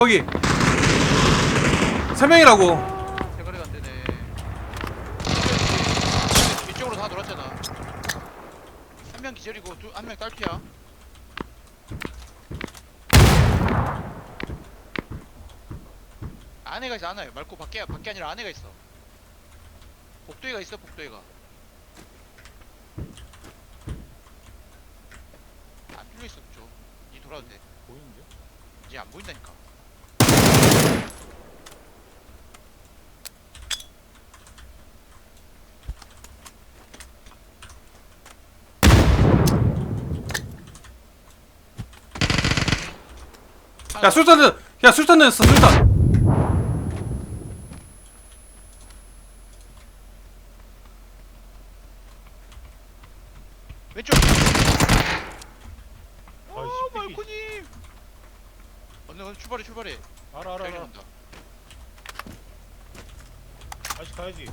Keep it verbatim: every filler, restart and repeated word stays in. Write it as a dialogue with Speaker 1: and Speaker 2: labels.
Speaker 1: 거기 세 명이라고.
Speaker 2: 대가리가 안 되네. 이쪽으로 다 돌았잖아. 한 명 기절이고 한 명 딸피야. 안에가 있어. 안에 말고 밖에 밖에 아니라 안에가 있어. 복도에가 있어. 복도에가. 안 뚫려 있어. 저. 니 돌아도 돼.
Speaker 3: 보이는데?
Speaker 2: 이제 안 보인다니까.
Speaker 1: 야 술탄 야 술탄 냈어 술탄.
Speaker 2: 왼쪽. 아,
Speaker 3: 아이씨,
Speaker 2: 말코님. 언니 언니 출발해 출발해.
Speaker 3: 알아 알아
Speaker 2: 여기
Speaker 3: 알아.
Speaker 2: 온다.
Speaker 3: 다시 가야지.